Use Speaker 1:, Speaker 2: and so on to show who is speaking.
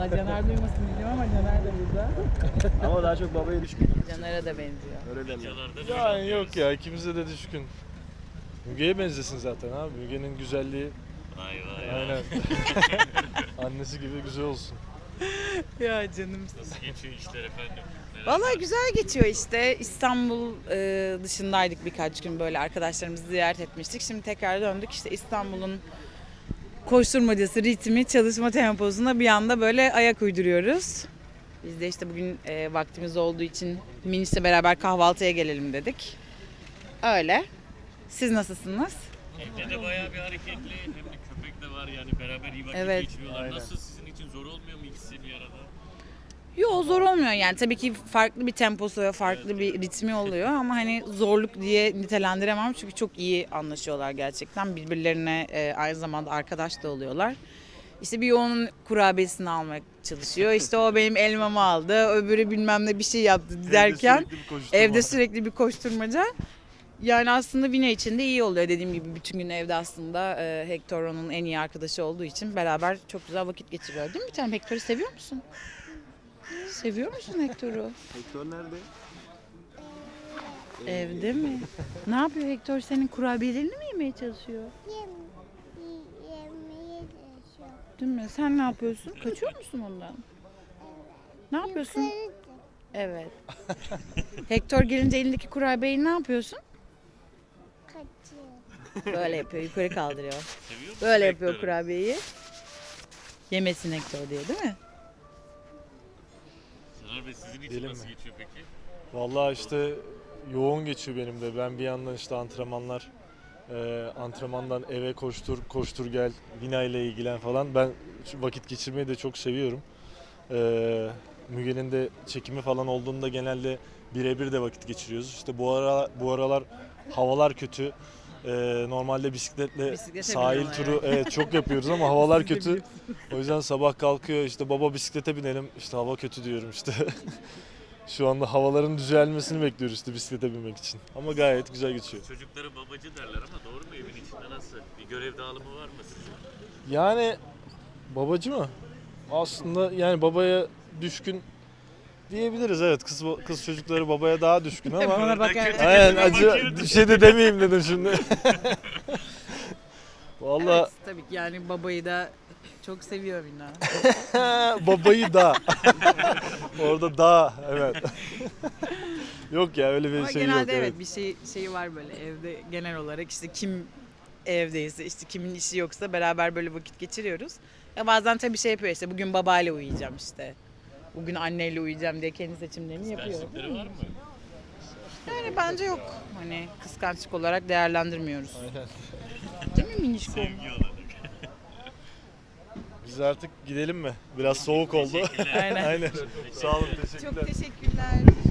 Speaker 1: Caner duymasın diyeceğim ama Caner de burada.
Speaker 2: Ama daha çok babaya düşkün.
Speaker 1: Caner'e de benziyor.
Speaker 2: Öyle derler.
Speaker 3: Yani yok ya, ikimize de düşkün. Müge'ye benzesin zaten abi. Müge'nin güzelliği.
Speaker 4: Vay vay.
Speaker 3: Aynen. Annesi gibi güzel olsun.
Speaker 1: Ya canım.
Speaker 4: Nasıl geçiyor işler efendim?
Speaker 1: Vallahi güzel geçiyor işte. İstanbul dışındaydık birkaç gün, böyle arkadaşlarımızı ziyaret etmiştik. Şimdi tekrar döndük, işte İstanbul'un koşturmacası, ritmi, çalışma temposuna bir anda böyle ayak uyduruyoruz. Biz de işte bugün vaktimiz olduğu için Miniş'le beraber kahvaltıya gelelim dedik. Öyle. Siz nasılsınız?
Speaker 4: Evde de bayağı bir hareketli, hem de köpek de var, yani beraber iyi vakit
Speaker 1: Evet.
Speaker 4: geçiriyorlar.
Speaker 3: Aynen.
Speaker 4: Nasıl, sizin için zor olmuyor mu ikisi bir arada?
Speaker 1: Yok, zor olmuyor yani, tabii ki farklı bir temposu ve farklı bir ritmi oluyor ama hani zorluk diye nitelendiremem çünkü çok iyi anlaşıyorlar gerçekten, birbirlerine aynı zamanda arkadaş da oluyorlar. İşte bir onun kurabiyesini almaya çalışıyor, işte o benim elmamı aldı, öbürü bilmem ne bir şey yaptı derken evde sürekli bir koşturmaca. Yani aslında Vine için de iyi oluyor, dediğim gibi bütün gün evde aslında Hector onun en iyi arkadaşı olduğu için beraber çok güzel vakit geçiriyor, değil mi bir tanem? Hector'u seviyor musun? Seviyor musun Hector'u?
Speaker 2: Hector nerede?
Speaker 1: Evde mi? Ne yapıyor Hector? Senin kurabiyelerini mi yemeye çalışıyor?
Speaker 5: Yemeye çalışıyor.
Speaker 1: Değil mi? Sen ne yapıyorsun? Kaçıyor musun ondan? Ne yapıyorsun?
Speaker 5: Yukarı
Speaker 1: Evet. Hector gelince elindeki kurabiyeyi ne yapıyorsun?
Speaker 5: kaçıyor.
Speaker 1: Böyle yapıyor, yukarı kaldırıyor.
Speaker 4: Seviyor musun
Speaker 1: Böyle yapıyor
Speaker 4: Hector'u?
Speaker 1: kurabiyeyi. Yemesin Hector diye, değil mi?
Speaker 4: Caner Bey, sizin için
Speaker 3: Diyelim
Speaker 4: nasıl
Speaker 3: mi?
Speaker 4: geçiyor peki?
Speaker 3: Vallahi işte yoğun geçiyor benim de. Ben bir yandan işte antrenmandan eve koştur gel, Vina ile ilgilen falan. Ben şu vakit geçirmeyi de çok seviyorum. Müge'nin de çekimi falan olduğunda genelde birebir de vakit geçiriyoruz. İşte bu aralar havalar kötü. Normalde bisikletle
Speaker 1: Bisiklete
Speaker 3: sahil
Speaker 1: biniyorlar
Speaker 3: turu
Speaker 1: yani.
Speaker 3: evet çok yapıyoruz ama havalar kötü. O yüzden sabah kalkıyor, işte baba bisiklete binelim. İşte hava kötü diyorum işte. Şu anda havaların düzelmesini bekliyoruz işte bisiklete binmek için. Ama gayet güzel geçiyor.
Speaker 4: Çocuklara babacı derler ama doğru mu, evin içinde nasıl? Bir görev dağılımı var mı sizin?
Speaker 3: Yani babacı mı? Aslında yani babaya düşkün diyebiliriz, evet. Kız çocukları babaya daha düşkün ama.
Speaker 1: Bana bakar.
Speaker 3: Aynen, acı bir şey de demeyeyim dedim şimdi. Vallahi
Speaker 1: Evet, tabii ki yani babayı da çok seviyor Vina.
Speaker 3: babayı da. Orada da, evet. Yok ya, öyle bir
Speaker 1: Ama
Speaker 3: şey
Speaker 1: genelde
Speaker 3: yok.
Speaker 1: evet bir şeyi var böyle evde, genel olarak işte kim evdeyse, işte kimin işi yoksa beraber böyle vakit geçiriyoruz. Ya bazen tabii şey yapıyor, işte bugün babayla uyuyacağım, işte bugün anneyle uyuyacağım diye kendi seçimlerini yapıyor.
Speaker 4: Kıskançlıkları var mı?
Speaker 1: Yani bence yok. Hani kıskançlık olarak değerlendirmiyoruz.
Speaker 3: Aynen.
Speaker 1: Değil mi Minişko?
Speaker 4: Sevgi olarak.
Speaker 3: Biz artık gidelim mi? Biraz soğuk oldu.
Speaker 1: Aynen.
Speaker 3: Aynen. Sağ olun, teşekkürler.
Speaker 1: Çok teşekkürler.